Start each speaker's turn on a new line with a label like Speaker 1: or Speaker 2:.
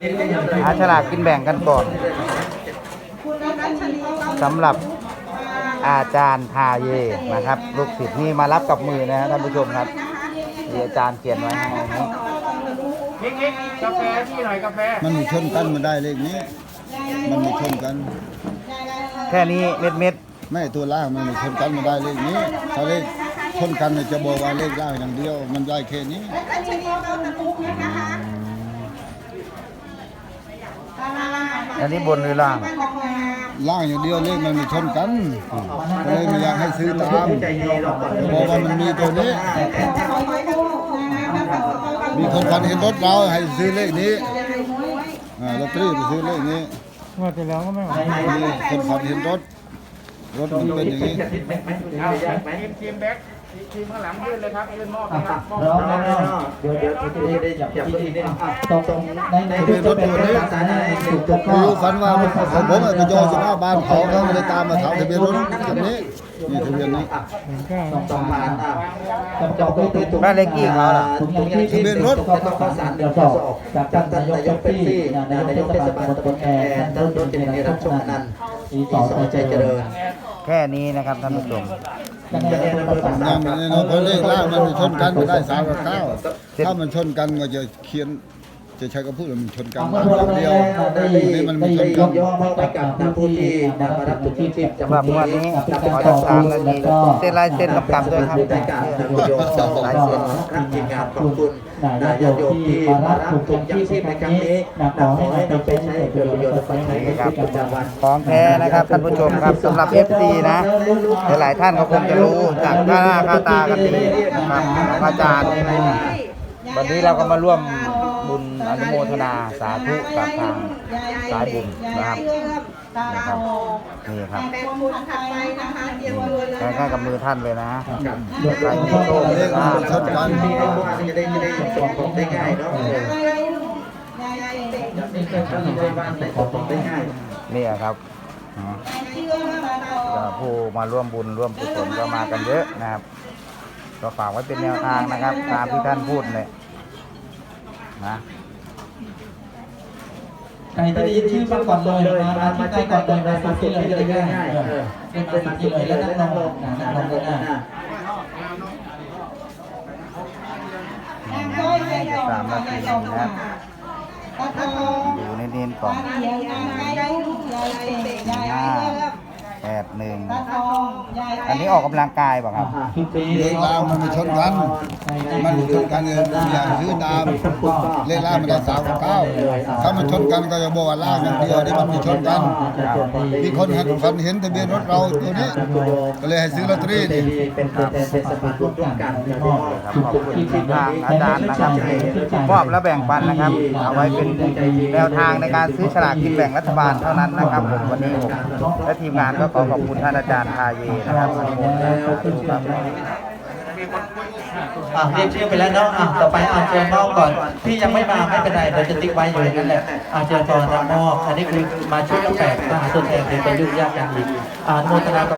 Speaker 1: หาฉลากกินแบ่งกันก่อนสำหรับอาจารย์ทาเยนะครับลูกศิษย์นี่มารับกับมือนะท่านผู้ชมครับที่อาจารย์เขียนไว้ให้นี้
Speaker 2: กาแฟที่หน่อยกาแฟ
Speaker 3: มันชนกันมาได้เลขนี้มันไม่ชนกัน
Speaker 1: แค่นี้เม็ด
Speaker 3: ไม่ตัวล่างมันไม่ชนกันมาได้เลขนี้ถ้าเลขชนกันจะบอกว่าเลขล่างอย่างเดียวมันได้แค่นี้
Speaker 1: อันนี้บนหรือล่าง
Speaker 3: ล่างอย่างเดียวเลขมันไม่ชนกันก็เลยไม่อยากให้ซื้อตามจะบอกว่ามันมีตัวนี้มีคนฝันเห็นรถเราให้ซื้อเลขนี้ลอตเตอรี่ไปซื้อเลขนี้
Speaker 2: ว่าจะแล้วก็ไม่ไหว
Speaker 3: มีคนฝันเห็นรถมันเป็นอย่างนี้
Speaker 2: ทีมแบ็คทีมข้างหลังยื่นเลยครับยื่นมอบนะครับมอบ
Speaker 4: เดี๋ยวจะได้จับที่นี่ตรงในจุดเป็นรถจุดก็
Speaker 3: รู้ฝันว่าผมไปจอดอยู่หน้าบ้านเขาไม่ได้ตามมาถามทะเบียนรถคันนี้นี่ทะเบียนนี้
Speaker 4: ต้องผ่านต้องจอดด้วยติด
Speaker 1: บ้านเล็กกี่เขาล่ะ
Speaker 3: ทะเบียนรถ
Speaker 4: ต้องข้อสารเดี๋ยวสอบจากท่านนายกเป๊ปซี่นายกเทศบาลตำบลแอนต้นรถเจริญรับชมนันอีสอใจเจริญ
Speaker 1: แค่นี้นะครับท่านผู้ชม
Speaker 3: ยังไม่แน่นอนเพราะเลขล่างมันชนกันไม่ได้3 กับ 9ถ้ามันชนกันก็จะเขียนจะใช้คำพูดมันชนกันเดียวนี่มันไม่ชนกัน
Speaker 4: ย่อมอบไปกับผู้ที่มารับจุดที่10
Speaker 1: สำหรับวันนี้ขอทั้ง3 นาทีเส้นลายเส้นกำกับด้วยครับ
Speaker 4: รายการนายกลายเส้นครับทีมงานขอบคุณนายกที่มารับจุดที่10ในครั้งนี้ขอให้นำไปใช้เป็นประโยชน์ในชีวิตประจำวัน
Speaker 1: ของแท้นะครับท่านผู้ชมครับสำหรับ FC นะหลายท่านก็คงจะรู้จากหน้าค่าตากันดีนะครับของอาจารย์วันนี้เราก็มาร่วมบุญอนุโมทนาสาธุกับทางสายบุญนะครับนี่ครับใกล้ๆกับมือท่านเลยนะใครมีโชคเลขมันชนกัน
Speaker 4: จะได้ส่งของได้ง่ายเนาะได้ง่าย
Speaker 1: นี่ครับผู้มาร่วมบุญร่วมกุศลก็มากันเยอะนะครับก็ฝากไว้เป็นแนวทางนะครับตามที่ท่านพูดเลยนะ
Speaker 4: ใครจะได้ยินชื่อมาก่อนเลยมาที่ใกล้ก่อนเลยมาที่เลยง่ายเป็นมาที่เลยแล้วนั่งลงนั่งลงหน้า
Speaker 1: 3 นาทีนะครับอยู่ในเน้นก่อน581อันนี้ออกกำลังกายป่ะครับ
Speaker 3: เลขล่างมันไม่ชนกันมันชนกันอย่างซื้อตามเลขล่างมันได้3 กับ 9ถ้ามันชนกันก็จะบอกว่าล่างอย่างเดียวนี่มันไม่ชนกันมีคนฝันเห็นทะเบียนรถเราตัวนี้ก็เลยให้ซื้อลอตเตอรี่นี่
Speaker 4: เป็นสปาร่วมกัน
Speaker 1: ขอบคุณทางอาจารย์นะครับมอบและแบ่งปันนะครับเอาไว้เป็นแนวทางในการซื้อฉลากกินแบ่งรัฐบาลเท่านั้นนะครับผมวันนี้ผมและทีมงานก็ขอขอบคุณท่านอาจารย์ทาเยนะครับ
Speaker 4: เรียกชื่อไปแล้วเนาะต่อไปเชิญมอบก่อนที่ยังไม่มาไม่เป็นไรเราจะติ๊กไว้อยู่อย่างนั้นแหละเชิญก่อนรับมอบอันนี้คือมาช่วยกาแฟมาตัวแทนเป็นประยุกต์ยากกันอีกโมทนา